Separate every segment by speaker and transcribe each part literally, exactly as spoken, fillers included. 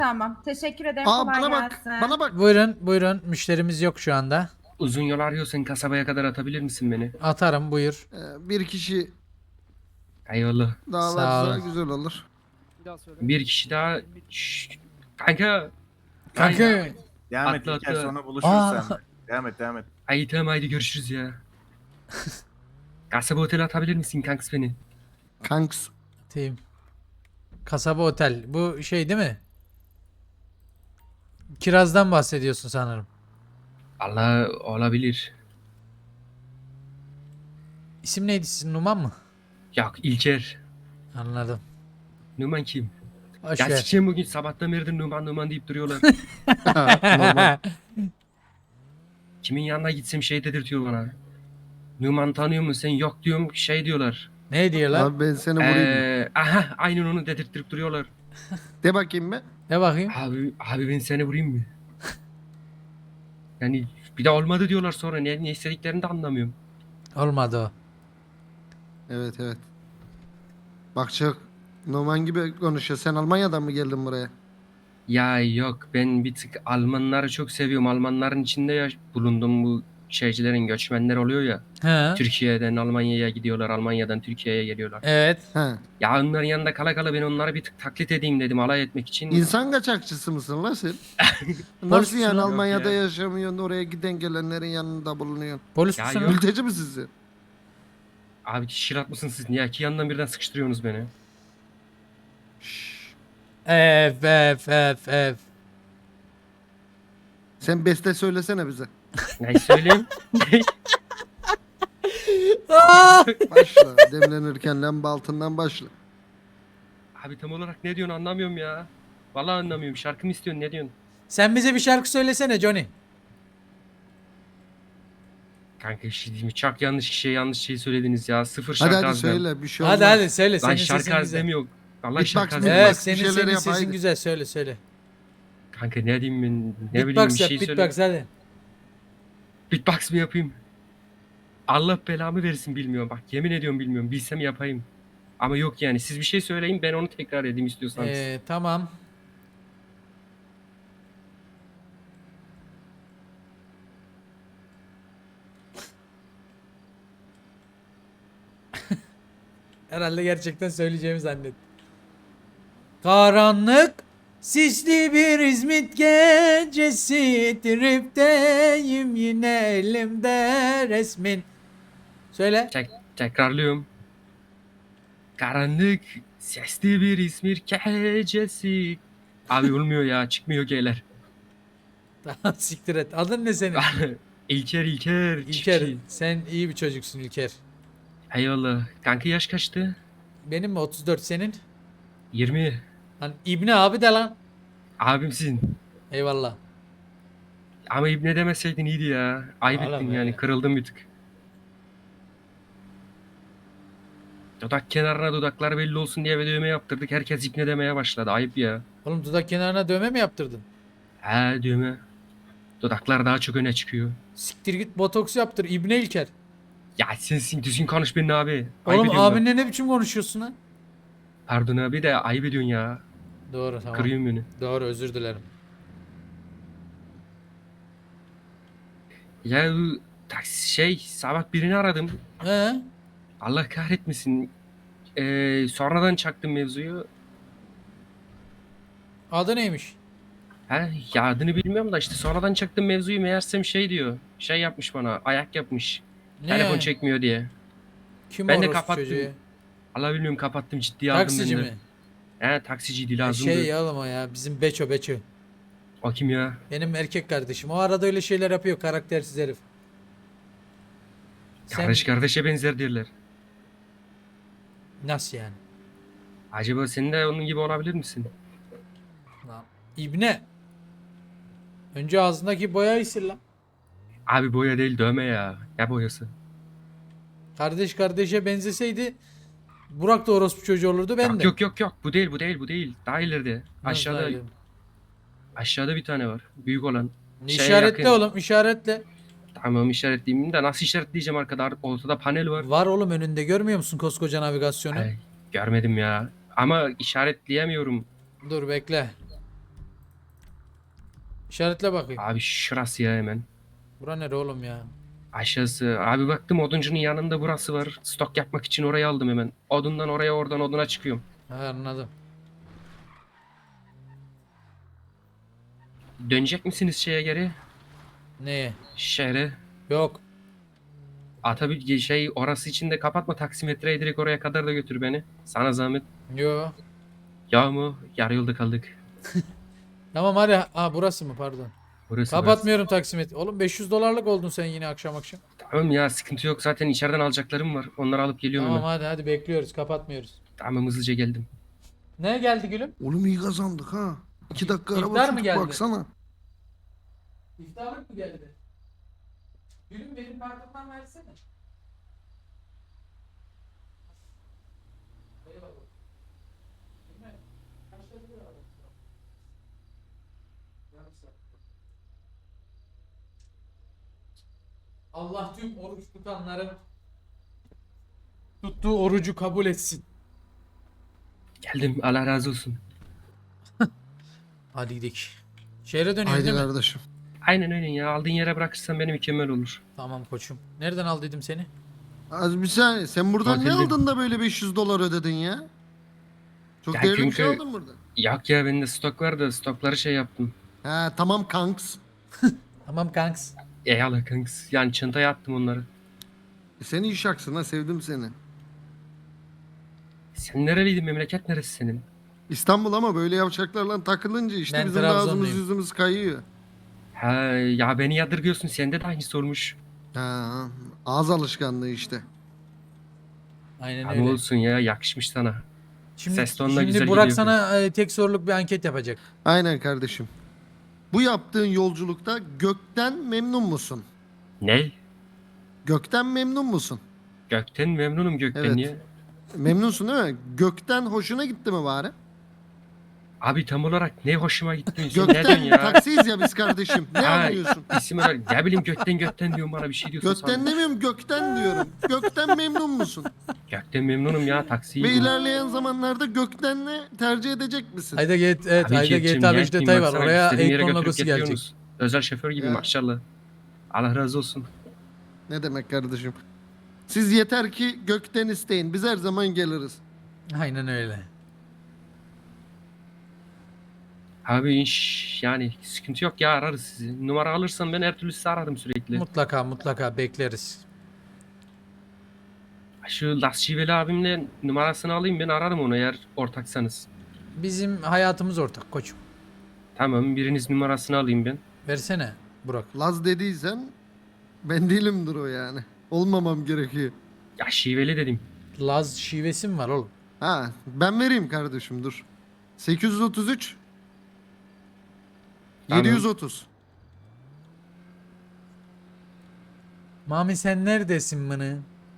Speaker 1: Tamam. Teşekkür ederim.
Speaker 2: Aa
Speaker 1: Kolay
Speaker 2: bana bak.
Speaker 1: gelsin.
Speaker 2: Bana bak.
Speaker 3: Buyurun buyurun, müşterimiz yok şu anda.
Speaker 4: Uzun yol arıyorsan kasabaya kadar atabilir misin beni?
Speaker 3: Atarım, buyur.
Speaker 2: Ee, bir kişi
Speaker 4: Eyvallah.
Speaker 2: daha
Speaker 3: Sağ
Speaker 2: varsa
Speaker 3: olun.
Speaker 2: güzel olur.
Speaker 4: Bir kişi daha... Şşş. Kanka.
Speaker 3: Kanka.
Speaker 4: Ay,
Speaker 5: Devam et
Speaker 4: Atla,
Speaker 5: İlker,
Speaker 4: atla.
Speaker 5: sonra buluşuruz
Speaker 3: Aa.
Speaker 5: sen. Devam et devam et.
Speaker 4: ay tamam haydi görüşürüz ya. Kasaba otele atabilir misin kanks beni?
Speaker 2: Kanks.
Speaker 3: Team. Kasaba otel. Bu şey değil mi? Kirazdan bahsediyorsun sanırım.
Speaker 4: Allah olabilir.
Speaker 3: İsim neydi sizin, Numan mı?
Speaker 4: Yok İlker.
Speaker 3: Anladım.
Speaker 4: Numan kim?
Speaker 3: Hoş
Speaker 4: Ya
Speaker 3: ver.
Speaker 4: sikeceğim bugün sabahtan beridir Numan Numan deyip duruyorlar.
Speaker 2: Normal.
Speaker 4: Kimin yanına gitsem şey dedirtiyor bana. Numan tanıyor musun sen? Yok diyorum şey diyorlar.
Speaker 3: Ne diyorlar?
Speaker 2: Abi ben seni vurayım. mı?
Speaker 4: Ee, aha aynen onu dedirttirip duruyorlar.
Speaker 2: De bakayım be.
Speaker 3: Ne bakayım?
Speaker 4: Abi, abi ben seni vurayım mı? Yani bir de olmadı diyorlar sonra. Ne, ne istediklerini de anlamıyorum.
Speaker 3: Olmadı o.
Speaker 2: Evet evet. Bak çok Norman gibi konuşuyor. Sen Almanya'dan mı geldin buraya?
Speaker 4: Ya yok ben bir tık Almanları çok seviyorum. Almanların içinde ya bulundum bu şeycilerin göçmenler oluyor ya.
Speaker 3: He.
Speaker 4: Türkiye'den Almanya'ya gidiyorlar. Almanya'dan Türkiye'ye geliyorlar.
Speaker 3: Evet.
Speaker 2: He.
Speaker 4: Ya onların yanında kala kala ben onları bir tık taklit edeyim dedim alay etmek için.
Speaker 2: İnsan kaçakçısı mısın lan sen? Nasıl
Speaker 3: Polis
Speaker 2: yani
Speaker 3: yok
Speaker 2: Almanya'da
Speaker 4: ya.
Speaker 2: yaşamıyorsun, oraya giden gelenlerin yanında bulunuyorsun?
Speaker 3: Polis
Speaker 4: Ya
Speaker 3: misin
Speaker 4: yok.
Speaker 3: lan?
Speaker 2: Mülteci misin sen?
Speaker 4: Abi şirat mısınız siz? Niye iki yandan birden sıkıştırıyorsunuz beni?
Speaker 2: Şşş.
Speaker 3: Ef ef ef ef.
Speaker 2: Sen beste söylesene bize.
Speaker 4: Ne söyleyeyim?
Speaker 2: Başla. Demlenirken lamba altından başla.
Speaker 4: Abi tam olarak ne diyorsun anlamıyorum ya. Vallahi anlamıyorum. Şarkı mı istiyorsun ne diyorsun?
Speaker 3: Sen bize bir şarkı söylesene Johnny.
Speaker 4: Kanka bir şey diyeyim mi? Çok yanlış kişiye yanlış şey söylediniz ya. Sıfır
Speaker 2: Hadi
Speaker 4: şarkı
Speaker 2: hadi
Speaker 4: azdan.
Speaker 2: söyle bir şey olmaz.
Speaker 3: Hadi hadi söyle,
Speaker 4: Lan
Speaker 3: senin
Speaker 4: şarkı
Speaker 3: sesin
Speaker 4: az
Speaker 3: güzel.
Speaker 4: demiyor. Vallahi
Speaker 2: Beatbox
Speaker 4: şarkı az
Speaker 2: mı?
Speaker 4: demiyor.
Speaker 3: Evet,
Speaker 2: bir
Speaker 3: senin
Speaker 2: şeyler
Speaker 3: senin
Speaker 2: yap,
Speaker 3: sesin
Speaker 2: haydi.
Speaker 3: güzel, söyle söyle.
Speaker 4: Kanka ne diyeyim ben? Ne bileyim
Speaker 3: Beatbox
Speaker 4: bir
Speaker 3: yap,
Speaker 4: şey söyle.
Speaker 3: beatbox hadi.
Speaker 4: Beatbox mı yapayım? Allah belamı versin bilmiyorum. Bak yemin ediyorum bilmiyorum. Bilsem yapayım. Ama yok yani. Siz bir şey söyleyin ben onu tekrar edeyim istiyorsanız.
Speaker 3: Ee, tamam. Herhalde gerçekten söyleyeceğimi zannet. Karanlık, sisli bir İzmit gecesi, tripteyim yine elimde resmin. Söyle.
Speaker 4: Tek, tekrarlıyorum. Karanlık, sesli bir İzmir gecesi. Abi olmuyor ya. Çıkmıyor geyler.
Speaker 3: Tamam, siktir et. Adın ne senin?
Speaker 4: İlker İlker.
Speaker 3: İlker.
Speaker 4: çiftçi.
Speaker 3: Sen iyi bir çocuksun İlker.
Speaker 4: Eyvallah. Kanka yaş kaçtı?
Speaker 3: Benim mi otuz dört, senin?
Speaker 4: yirmi.
Speaker 3: Lan İbni abi de lan.
Speaker 4: Abimsin.
Speaker 3: Eyvallah.
Speaker 4: Ama İbne demeseydin iyiydi ya. Ayıp
Speaker 3: Oğlum
Speaker 4: ettin
Speaker 3: öyle.
Speaker 4: yani. Kırıldım bir tık. Dudak kenarına dudaklar belli olsun diye bir dövme yaptırdık. Herkes İbne demeye başladı. Ayıp ya.
Speaker 3: Oğlum dudak kenarına dövme mi yaptırdın?
Speaker 4: He dövme. Dudaklar daha çok öne çıkıyor.
Speaker 3: Siktir git botoks yaptır İbni İlker.
Speaker 4: Ya sensin düzgün konuş benimle abi. Ayıp
Speaker 3: Oğlum
Speaker 4: ediyorsun bak.
Speaker 3: abinle ne biçim konuşuyorsun ha?
Speaker 4: Pardon abi de ayıp ediyorsun ya.
Speaker 3: Doğru, tamam.
Speaker 4: Kırıyorsun beni.
Speaker 3: Doğru, özür dilerim.
Speaker 4: Ya bu taksi şey sabah birini aradım.
Speaker 3: He?
Speaker 4: Allah kahretmesin. Ee, sonradan çaktım mevzuyu.
Speaker 3: Adı neymiş?
Speaker 4: He, ya adını bilmiyorum da işte sonradan çaktım mevzuyu meğersem şey diyor. Şey yapmış bana ayak yapmış.
Speaker 3: Ne
Speaker 4: Telefon
Speaker 3: yani?
Speaker 4: çekmiyor diye.
Speaker 3: Kim
Speaker 4: Ben de
Speaker 3: orospu
Speaker 4: kapattım.
Speaker 3: çocuğu ya?
Speaker 4: Allah bilmiyorum kapattım ciddiye aldım
Speaker 3: Taksici
Speaker 4: ben de.
Speaker 3: mi?
Speaker 4: He taksiciydi
Speaker 3: E
Speaker 4: lazımdı.
Speaker 3: Şey ya oğlum o ya, bizim Beço Beço.
Speaker 4: O kim ya?
Speaker 3: Benim erkek kardeşim. O arada öyle şeyler yapıyor, karaktersiz herif. Sen
Speaker 4: Kardeş kardeşe benzer derler.
Speaker 3: nasıl yani?
Speaker 4: Acaba sen de onun gibi olabilir misin?
Speaker 3: Lan İbne. Önce ağzındaki boyayı sil lan.
Speaker 4: Abi boya değil dövme ya. Ne boyası?
Speaker 3: Kardeş kardeşe benzeseydi Burak da orospu çocuğu olurdu, ben
Speaker 4: yok
Speaker 3: de.
Speaker 4: yok yok yok bu değil bu değil bu değil. Daha ileride.
Speaker 3: Nasıl
Speaker 4: Aşağıda
Speaker 3: öyle?
Speaker 4: aşağıda bir tane var. Büyük olan. Şeye
Speaker 3: İşaretle
Speaker 4: yakın.
Speaker 3: oğlum, işaretle.
Speaker 4: Tamam işaretleyeyim de nasıl işaretleyeceğim arkada ortada panel var.
Speaker 3: Var oğlum önünde, görmüyor musun koskoca navigasyonu?
Speaker 4: Ay, görmedim ya. Ama işaretleyemiyorum.
Speaker 3: Dur bekle. İşaretle bakayım.
Speaker 4: Abi şurası ya hemen.
Speaker 3: Bura nere oğlum ya?
Speaker 4: Aşağısı. Abi baktım oduncunun yanında burası var. Stok yapmak için orayı aldım hemen. Odundan oraya oradan oduna çıkıyorum.
Speaker 3: Ha, anladım.
Speaker 4: Dönecek misiniz şeye geri?
Speaker 3: Neye?
Speaker 4: Şehre.
Speaker 3: Yok.
Speaker 4: Aa tabii şey orası için de kapatma taksimetreyi direkt oraya kadar da götür beni. Sana zahmet.
Speaker 3: Yok.
Speaker 4: Ya mı? Yarı yolda kaldık.
Speaker 3: Tamam hadi. Ha burası mı pardon.
Speaker 4: Burası
Speaker 3: Kapatmıyorum taksimet. Oğlum beş yüz dolarlık oldun sen yine akşam akşam.
Speaker 4: burası. Tamam ya sıkıntı yok zaten içeriden alacaklarım var. Onları alıp geliyorum
Speaker 3: Tamam
Speaker 4: hemen.
Speaker 3: hadi hadi bekliyoruz kapatmıyoruz.
Speaker 4: Tamam hızlıca geldim.
Speaker 3: Ne geldi gülüm?
Speaker 2: Oğlum iyi kazandık ha. İki dakika
Speaker 3: İftar
Speaker 2: araba
Speaker 3: mı
Speaker 2: sürdük
Speaker 3: geldi?
Speaker 2: baksana.
Speaker 3: İftarlık mı geldi? Gülüm benim kartımdan versene. Allah tüm oruç tutanların tuttuğu orucu kabul etsin.
Speaker 4: Geldim Allah razı olsun.
Speaker 3: Hadi gidelim. Şehre dönüyoruz
Speaker 2: Haydi
Speaker 3: değil mi?
Speaker 2: kardeşim.
Speaker 4: Aynen öyle ya aldığın yere bırakırsan beni mükemmel olur.
Speaker 3: Tamam koçum. Nereden aldıydım seni?
Speaker 2: Az bir saniye. Sen buradan ne
Speaker 4: Otelde.
Speaker 2: aldın da böyle beş yüz dolar ödedin ya? Çok
Speaker 4: Ya
Speaker 2: değerli bir şey
Speaker 4: çünkü-
Speaker 2: aldın burada.
Speaker 4: Yok ya bende stok var da stokları şey yaptım.
Speaker 2: He tamam kanks.
Speaker 3: Tamam kanks.
Speaker 4: Eyvallah kanks. Yani çantaya attım onları.
Speaker 2: E, sen iyi şaksın ha, sevdim seni.
Speaker 4: Sen nereliydin memleket neresi senin?
Speaker 2: İstanbul ama böyle yavşaklarla takılınca işte
Speaker 3: Ben
Speaker 2: bizim de ağzımız
Speaker 3: Trabzonluyum.
Speaker 2: yüzümüz kayıyor.
Speaker 4: Ha ya beni yadırgıyorsun sende de aynı sormuş.
Speaker 2: Ha, ağız alışkanlığı işte.
Speaker 3: Aynen
Speaker 4: Ama
Speaker 3: öyle.
Speaker 4: olsun ya yakışmış sana.
Speaker 3: Şimdi,
Speaker 4: Ses tonuna
Speaker 3: şimdi
Speaker 4: güzel
Speaker 3: Burak
Speaker 4: gidiyor
Speaker 3: sana e, tek soruluk bir anket yapacak.
Speaker 2: Aynen kardeşim. Bu yaptığın yolculukta gökten memnun musun?
Speaker 4: Ne?
Speaker 2: Gökten memnun musun?
Speaker 4: Gökten memnunum gökten
Speaker 2: Evet.
Speaker 4: ya.
Speaker 2: Memnunsun değil mi? Gökten hoşuna gitti mi bari?
Speaker 4: Abi tam olarak ne hoşuma gitti. Sen ne diyorsun
Speaker 2: Gökten
Speaker 4: ya?
Speaker 2: taksiyiz ya biz kardeşim. Ne
Speaker 4: Ha,
Speaker 2: anlıyorsun?
Speaker 4: İsim olarak ne bileyim gökten gökten diyorsun bana bir şey diyorsun.
Speaker 2: Gökten
Speaker 4: sandım.
Speaker 2: demiyorum, gökten diyorum. Gökten memnun musun?
Speaker 4: Gökten memnunum ya
Speaker 2: Ve
Speaker 4: taksiyim.
Speaker 2: ilerleyen zamanlarda gökten ne tercih edecek misin?
Speaker 3: Ayda get evet
Speaker 4: Abi
Speaker 3: Ayda
Speaker 4: Jet'cim,
Speaker 3: G T A
Speaker 4: ne
Speaker 3: beş
Speaker 4: yapayım,
Speaker 3: detayı var.
Speaker 4: baksana,
Speaker 3: Oraya
Speaker 4: istediğim yere
Speaker 3: Akon
Speaker 4: götürüp
Speaker 3: logosu gelecek.
Speaker 4: getiriyorsunuz. Özel şoför gibi
Speaker 2: Ya.
Speaker 4: maşallah. Allah razı olsun.
Speaker 2: Ne demek kardeşim? Siz yeter ki gökten isteyin. Biz her zaman geliriz.
Speaker 3: Aynen öyle.
Speaker 4: Abi iş yani sıkıntı yok ya ararız sizi. Numara alırsan ben her türlü sizi ararım sürekli.
Speaker 3: Mutlaka mutlaka bekleriz.
Speaker 4: Şu Las Şiveli abimle numarasını alayım ben ararım onu eğer ortaksanız.
Speaker 3: Bizim hayatımız ortak koçum.
Speaker 4: Tamam biriniz numarasını alayım ben.
Speaker 3: Versene Burak.
Speaker 2: Laz dediysen ben değilimdir o yani. Olmamam gerekiyor.
Speaker 4: Ya Şiveli dedim.
Speaker 3: Laz şivesi mi var oğlum?
Speaker 2: Ha ben vereyim kardeşim dur. sekiz yüz otuz üç
Speaker 4: Tamam.
Speaker 2: yedi yüz otuz.
Speaker 3: Mami sen neredesin mını?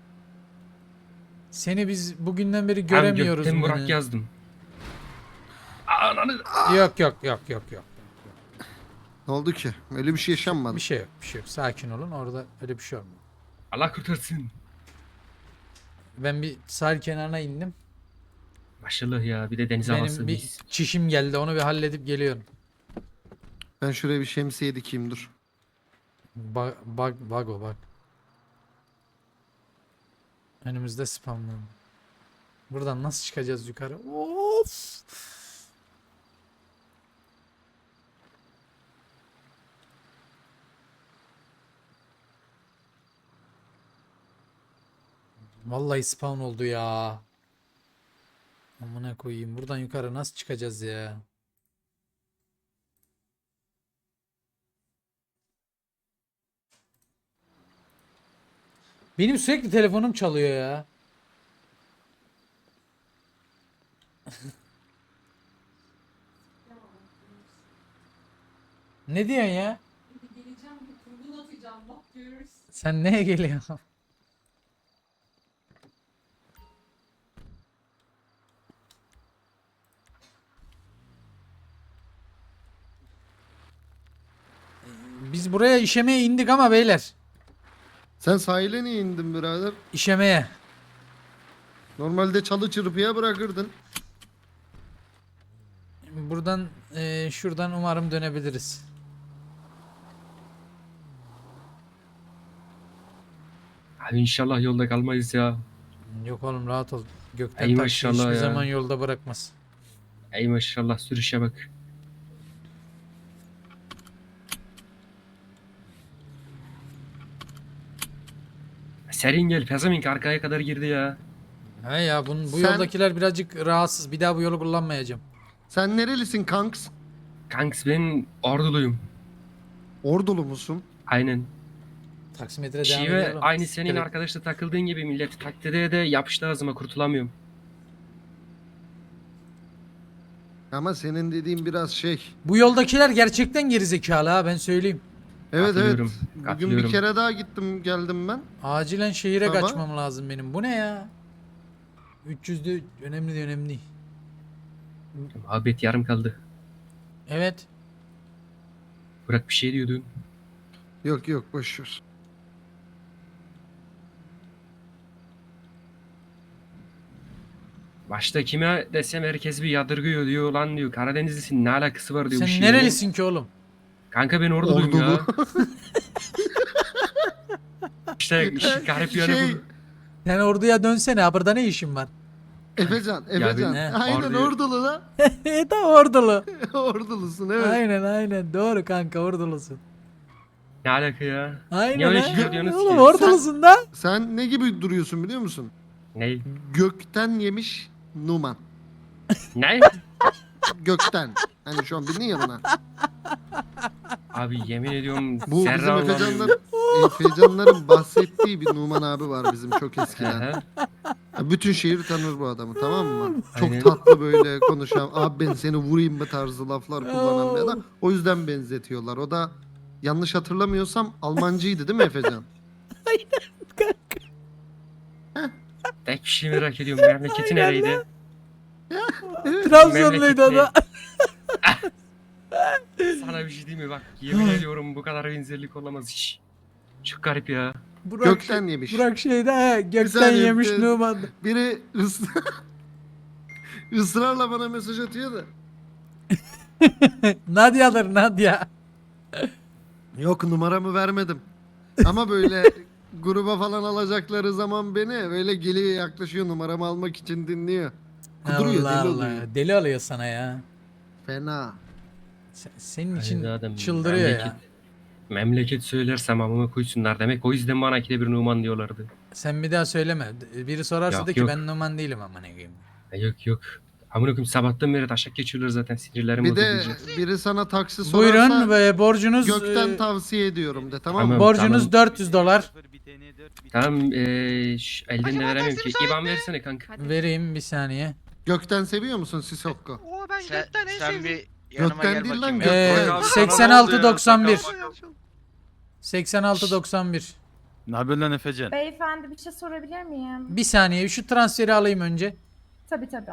Speaker 3: Seni biz bugünden beri
Speaker 4: Abi
Speaker 3: göremiyoruz
Speaker 4: Gökten Burak
Speaker 3: mını.
Speaker 4: yazdım. Ananı.
Speaker 3: Yok yok yok yok yok.
Speaker 2: Ne oldu ki? Öyle bir şey yaşanmadı.
Speaker 3: Bir şey yok bir şey yok. Sakin olun orada öyle bir şey olmuyor.
Speaker 4: Allah kurtarsın.
Speaker 3: Ben bir sahil kenarına indim.
Speaker 4: Maşallah ya bir de deniz havası.
Speaker 3: Benim bir
Speaker 4: mis.
Speaker 3: çişim geldi onu bir halledip geliyorum.
Speaker 2: Ben şuraya bir şemsiye dikeyim dur.
Speaker 3: Bak bak bak o bak. Önümüzde spamlandı. Buradan nasıl çıkacağız yukarı? Of. Vallahi spawn oldu ya. Amına koyayım. Buradan yukarı nasıl çıkacağız ya? Benim sürekli telefonum çalıyor ya. Ne diyorsun ya?
Speaker 1: Geleceğim bir kurgun atacağım bak görürsün.
Speaker 3: Sen neye geliyorsun? Biz buraya işemeye indik ama beyler.
Speaker 2: Sen sahile niye indin birader?
Speaker 3: İşemeye.
Speaker 2: Normalde çalı çırpıya bırakırdın.
Speaker 3: Buradan eee, şuradan umarım dönebiliriz.
Speaker 4: Abi inşallah yolda kalmayız ya.
Speaker 3: Yok oğlum rahat ol. Gökten
Speaker 4: Ey
Speaker 3: taksi
Speaker 4: maşallah
Speaker 3: hiçbir
Speaker 4: ya.
Speaker 3: zaman yolda bırakmaz.
Speaker 4: Ey maşallah sürüşe bak. Serin gel pezevenk arkaya kadar girdi ya.
Speaker 3: He ya bunun, bu
Speaker 2: Sen-
Speaker 3: yoldakiler birazcık rahatsız. Bir daha bu yolu kullanmayacağım.
Speaker 2: Sen nerelisin kanks?
Speaker 4: Kanks ben orduluyum.
Speaker 2: Ordulu musun?
Speaker 4: Aynen.
Speaker 3: Taksimetre devam
Speaker 4: Şive
Speaker 3: ediyor oğlum.
Speaker 4: aynı senin
Speaker 3: Evet.
Speaker 4: arkadaşla takıldığın gibi millet taklide de yapıştı ağzıma kurtulamıyorum.
Speaker 2: Ama senin dediğin biraz şey.
Speaker 3: Bu yoldakiler gerçekten gerizekalı ha ben söyleyeyim.
Speaker 2: Evet evet.
Speaker 4: Katılıyorum,
Speaker 2: Bugün
Speaker 4: katılıyorum.
Speaker 2: bir kere daha gittim geldim ben.
Speaker 3: Acilen şehire
Speaker 2: Ama-
Speaker 3: kaçmam lazım benim. Bu ne ya? üç yüzde önemli de önemli.
Speaker 4: Muhabbet yarım kaldı.
Speaker 3: Evet.
Speaker 4: Burak bir şey diyordun.
Speaker 2: Yok yok boş ver.
Speaker 4: Başta kime desem herkes bir yadırgıyor diyor lan diyor. Karadenizlisin ne alakası var diyor. bu
Speaker 3: Sen
Speaker 4: şeyle.
Speaker 3: nerelisin ki oğlum?
Speaker 4: Kanka ben orduluyum ya.
Speaker 2: Ordulu.
Speaker 4: İşte işin garip yanı
Speaker 2: şey,
Speaker 4: bu.
Speaker 3: Sen orduya dönsene. Ha burada ne işin var?
Speaker 2: Efecan,
Speaker 4: Ya
Speaker 2: Efecan.
Speaker 3: ben-
Speaker 2: Aynen
Speaker 4: Orduyu-
Speaker 2: ordulu da.
Speaker 3: e tamam ordulu.
Speaker 2: Ordulusun evet.
Speaker 3: Aynen aynen doğru kanka ordulusun.
Speaker 4: Ne alaka ya?
Speaker 3: Aynen
Speaker 4: Niye öyle
Speaker 3: ha.
Speaker 4: şey diyorsunuz
Speaker 3: Oğlum
Speaker 4: ki?
Speaker 3: ordulusun da.
Speaker 2: Sen ne gibi duruyorsun biliyor musun?
Speaker 4: Ne?
Speaker 2: Gökten yemiş Numan.
Speaker 4: Ne?
Speaker 2: Gökten. Hani şu an bildin ya buna.
Speaker 4: Abi yemin ediyorum
Speaker 2: Bu bizim
Speaker 4: zerre
Speaker 2: Efecanların,
Speaker 4: anlamıyorum.
Speaker 2: Efecanların bahsettiği bir Numan abi var bizim çok
Speaker 4: Hı
Speaker 2: eskiden.
Speaker 4: hı.
Speaker 2: Ya bütün şehir tanır bu adamı tamam mı? Çok
Speaker 4: Aynen.
Speaker 2: tatlı böyle konuşan, abi ben seni vurayım mı tarzı laflar kullanan bir adam. O yüzden benzetiyorlar. O da yanlış hatırlamıyorsam Almancıydı değil mi Efecan?
Speaker 4: Tek bir şey merak ediyorum. Memleketi nereydi?
Speaker 3: Trabzonluydu o da.
Speaker 4: Sana bir şey diyeyim mi? Bak yemin ediyorum bu kadar benzerlik olamaz hiç. Çok garip ya.
Speaker 3: Burak,
Speaker 2: Gökten yemiş.
Speaker 3: Burak şeyde he, gökten
Speaker 2: saniye,
Speaker 3: yemiş
Speaker 2: bir-
Speaker 3: Numan.
Speaker 2: Biri ıs- ısrarla bana mesaj atıyor da.
Speaker 3: Nadia'dır Nadia.
Speaker 2: Yok numaramı vermedim. Ama böyle gruba falan alacakları zaman beni böyle geliyor yaklaşıyor numaramı almak için dinliyor. Kuduruyor
Speaker 3: Allah
Speaker 2: deli
Speaker 3: Allah.
Speaker 2: oluyor.
Speaker 3: Deli oluyor sana ya.
Speaker 2: Fena.
Speaker 3: Sen- senin için
Speaker 4: Ay zaten
Speaker 3: çıldırıyor
Speaker 4: memleket,
Speaker 3: ya.
Speaker 4: Memleket söylersem amıma koysunlar demek. O yüzden bana ikide bir Numan diyorlardı.
Speaker 3: Sen bir daha söyleme. Biri sorarsa
Speaker 4: Yok,
Speaker 3: de ki
Speaker 4: yok.
Speaker 3: ben Numan değilim ama ne diyeyim.
Speaker 4: Ya yok yok. Amına koyayım sabahtan beri taşak geçiyorlar zaten sinirlerim
Speaker 2: Bir
Speaker 4: bozuldu
Speaker 2: de
Speaker 4: iyice.
Speaker 2: biri sana taksi sorarsa
Speaker 3: Buyurun ve borcunuz
Speaker 2: gökten
Speaker 3: e,
Speaker 2: tavsiye ediyorum de tamam mı?
Speaker 4: Tamam.
Speaker 3: borcunuz dört yüz dolar.
Speaker 4: Tamam eee şş, elden de veremiyorum ki. İban versene kanka.
Speaker 3: Vereyim bir saniye.
Speaker 2: Gökten seviyor musun Sisokko?
Speaker 5: Oo ben
Speaker 6: Sen,
Speaker 5: gökten en
Speaker 6: sen
Speaker 5: sevdiğim.
Speaker 6: bir yanıma
Speaker 2: Gökten
Speaker 6: gel
Speaker 2: değil
Speaker 6: bakayım.
Speaker 2: lan,
Speaker 6: ya.
Speaker 2: gökten.
Speaker 3: Ee,
Speaker 2: Abi,
Speaker 3: seksen altı doksan bir. seksen altı doksan bir.
Speaker 7: Ne haber lan Efecan?
Speaker 8: Beyefendi bir şey sorabilir miyim?
Speaker 3: Bir saniye şu transferi alayım önce.
Speaker 8: Tabii tabii.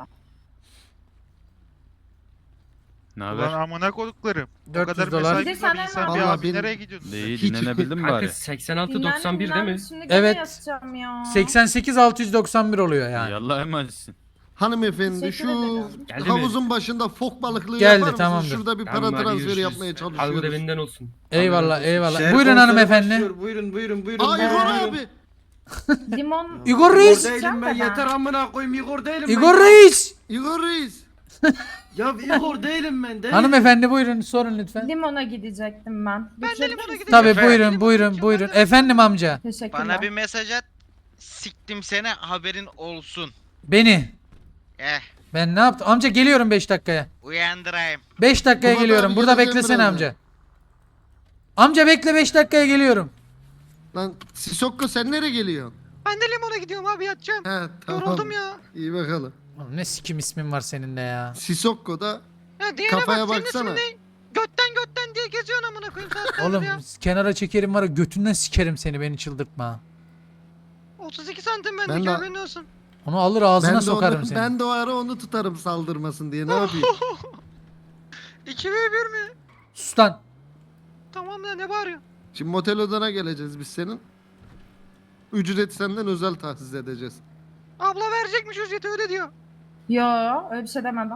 Speaker 7: Ne
Speaker 5: Ulan
Speaker 7: haber?
Speaker 5: amına koduklarım. O
Speaker 3: dört yüz
Speaker 5: kadar
Speaker 3: dolar.
Speaker 5: mesai
Speaker 8: Bir de
Speaker 5: güzel
Speaker 8: senden
Speaker 5: insan
Speaker 8: ne
Speaker 5: bir
Speaker 2: Vallahi
Speaker 5: abi
Speaker 2: benim-
Speaker 5: nereye gidiyorsun?
Speaker 7: İyi
Speaker 2: Hiç-
Speaker 7: dinlenebildin mi
Speaker 4: Kanka
Speaker 7: bari?
Speaker 4: seksen altı doksan bir değil mi?
Speaker 8: Şimdi gece
Speaker 3: Evet.
Speaker 8: yatacağım ya.
Speaker 3: seksen sekiz altı yüz doksan bir oluyor yani.
Speaker 7: Yallah emanetsin.
Speaker 2: Hanımefendi
Speaker 8: Teşekkür
Speaker 2: şu
Speaker 8: ederim.
Speaker 4: Geldi mi?
Speaker 2: havuzun başında fok balıklığı
Speaker 3: Geldi,
Speaker 2: yapar mısın?
Speaker 3: tamamdır.
Speaker 2: Şurada bir para
Speaker 4: Tamam, hadi
Speaker 2: transferi
Speaker 4: görüşürüz.
Speaker 2: yapmaya
Speaker 4: Algı da
Speaker 2: çalışıyoruz.
Speaker 4: benden olsun.
Speaker 3: Eyvallah eyvallah.
Speaker 9: Şehir
Speaker 3: Buyurun
Speaker 9: konseri
Speaker 3: hanımefendi.
Speaker 9: başlıyor. Buyurun buyurun buyurun.
Speaker 2: Aa
Speaker 9: buyurun.
Speaker 2: Igor
Speaker 9: Buyurun.
Speaker 2: abi.
Speaker 8: Limon.
Speaker 3: Igor Reis.
Speaker 9: Igor değilim ben yeter amına koyayım Igor değilim ben.
Speaker 3: Igor Reis.
Speaker 2: Igor Reis.
Speaker 9: Ya Igor değilim ben değilim.
Speaker 3: Hanımefendi buyurun sorun lütfen.
Speaker 8: Limona gidecektim ben.
Speaker 5: Ben de
Speaker 8: Getirebilir
Speaker 5: limona
Speaker 8: misin?
Speaker 5: gideceğim.
Speaker 3: Tabii
Speaker 5: Efendim?
Speaker 3: buyurun
Speaker 5: Limona
Speaker 3: buyurun
Speaker 5: gideceğim,
Speaker 3: buyurun.
Speaker 5: ben de-
Speaker 3: Efendim amca.
Speaker 8: Teşekkürler.
Speaker 6: Bana bir mesaj at. Siktim seni haberin olsun.
Speaker 3: Beni.
Speaker 6: Eh
Speaker 3: Ben ne yaptım? Amca geliyorum beş dakikaya.
Speaker 6: uyandırayım.
Speaker 3: beş dakikaya
Speaker 2: Baba,
Speaker 3: geliyorum.
Speaker 2: ben
Speaker 3: Burada
Speaker 2: geleceğim
Speaker 3: beklesene
Speaker 2: birazdan.
Speaker 3: amca. Amca bekle beş dakikaya geliyorum.
Speaker 2: Lan Sisokko sen nereye geliyorsun?
Speaker 5: Ben de limona gidiyorum abi yatacağım.
Speaker 2: He tamam.
Speaker 5: Yoruldum ya.
Speaker 2: İyi bakalım.
Speaker 3: Oğlum ne sikim ismin var senin de ya.
Speaker 2: Sisokko da
Speaker 5: Ya diyene
Speaker 2: kafaya
Speaker 5: bak senin
Speaker 2: baksana.
Speaker 5: ismin ne? Götten götten diye geziyorsun amına koyayım saatlerdir
Speaker 3: Oğlum
Speaker 5: ya.
Speaker 3: kenara çekerim var ya götünden sikerim seni beni çıldırtma.
Speaker 5: otuz iki santim
Speaker 2: Ben
Speaker 5: bendeki
Speaker 2: de-
Speaker 5: haberin olsun.
Speaker 3: Onu alır ağzına
Speaker 2: Ben de,
Speaker 3: sokarım
Speaker 2: onu,
Speaker 3: seni.
Speaker 2: ben de o ara onu tutarım saldırmasın diye ne yapayım?
Speaker 5: iki ve bir mi?
Speaker 3: Sus lan.
Speaker 5: Tamam ya ne bağırıyor?
Speaker 2: Şimdi motel odana geleceğiz biz senin. Ücret senden özel tahsis edeceğiz.
Speaker 5: Abla verecekmiş ücreti öyle diyor.
Speaker 8: Yo öyle bir şey demedim.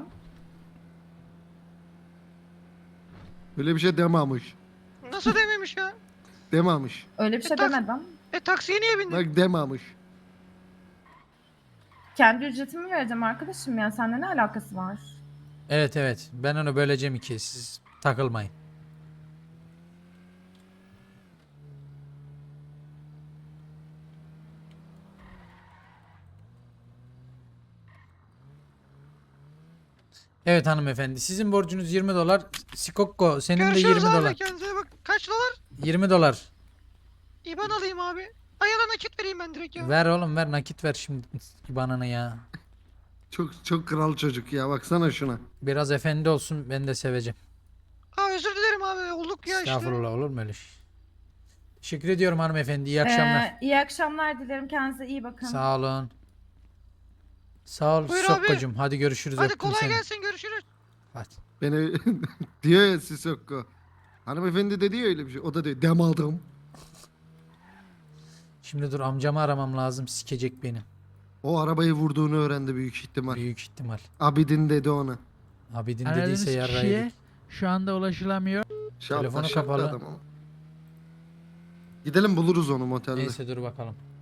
Speaker 2: Öyle bir şey demamış.
Speaker 5: Nasıl dememiş ya?
Speaker 2: Demamış.
Speaker 8: Öyle bir şey
Speaker 5: E, tak-
Speaker 8: demedim.
Speaker 5: E taksiye niye bindin?
Speaker 2: Bak demamış.
Speaker 8: Kendi ücretimi vereceğim arkadaşım ya. Seninle ne alakası var?
Speaker 3: Evet evet. Ben onu böleceğim ikiye. Siz takılmayın. Evet hanımefendi. Sizin borcunuz yirmi dolar. Sikokko senin de
Speaker 5: Görüşürüz
Speaker 3: yirmi
Speaker 5: abi
Speaker 3: dolar.
Speaker 5: kendinize bak. Kaç dolar?
Speaker 3: yirmi dolar.
Speaker 5: İban alayım abi. Ayağına nakit vereyim ben direkt ya.
Speaker 3: Ver oğlum ver nakit ver şimdi banana ya.
Speaker 2: Çok çok kral çocuk ya, baksana şuna.
Speaker 3: Biraz efendi olsun ben de seveceğim.
Speaker 5: Aa özür dilerim abi. Olduk ya işte.
Speaker 3: Estağfurullah olur mu öyle şey? Teşekkür ediyorum hanımefendi. İyi akşamlar.
Speaker 8: Ee, iyi akşamlar dilerim. Kendinize iyi bakın.
Speaker 3: Sağ olun. Sağ ol
Speaker 5: Buyur abi.
Speaker 3: Sokkocuğum. Hadi görüşürüz.
Speaker 5: Hadi
Speaker 3: öptüm
Speaker 5: kolay
Speaker 3: seni.
Speaker 5: gelsin görüşürüz.
Speaker 3: Hadi.
Speaker 2: Beni diyor ya Sisokko. Hanımefendi dedi ya öyle bir şey. O da diyor dem aldım.
Speaker 3: Şimdi dur amcamı aramam lazım. Sikecek beni.
Speaker 2: O arabayı vurduğunu öğrendi büyük ihtimal.
Speaker 3: Büyük ihtimal.
Speaker 2: Abidin dedi ona.
Speaker 3: Abidin
Speaker 10: Aradığınız
Speaker 3: dediyse yarrağı
Speaker 10: kişiye
Speaker 3: yedik.
Speaker 10: şu anda ulaşılamıyor.
Speaker 2: Şapka,
Speaker 3: Telefonu
Speaker 2: şapka
Speaker 3: kapalı.
Speaker 2: adam ama. Gidelim buluruz onu motelde.
Speaker 3: Neyse dur bakalım.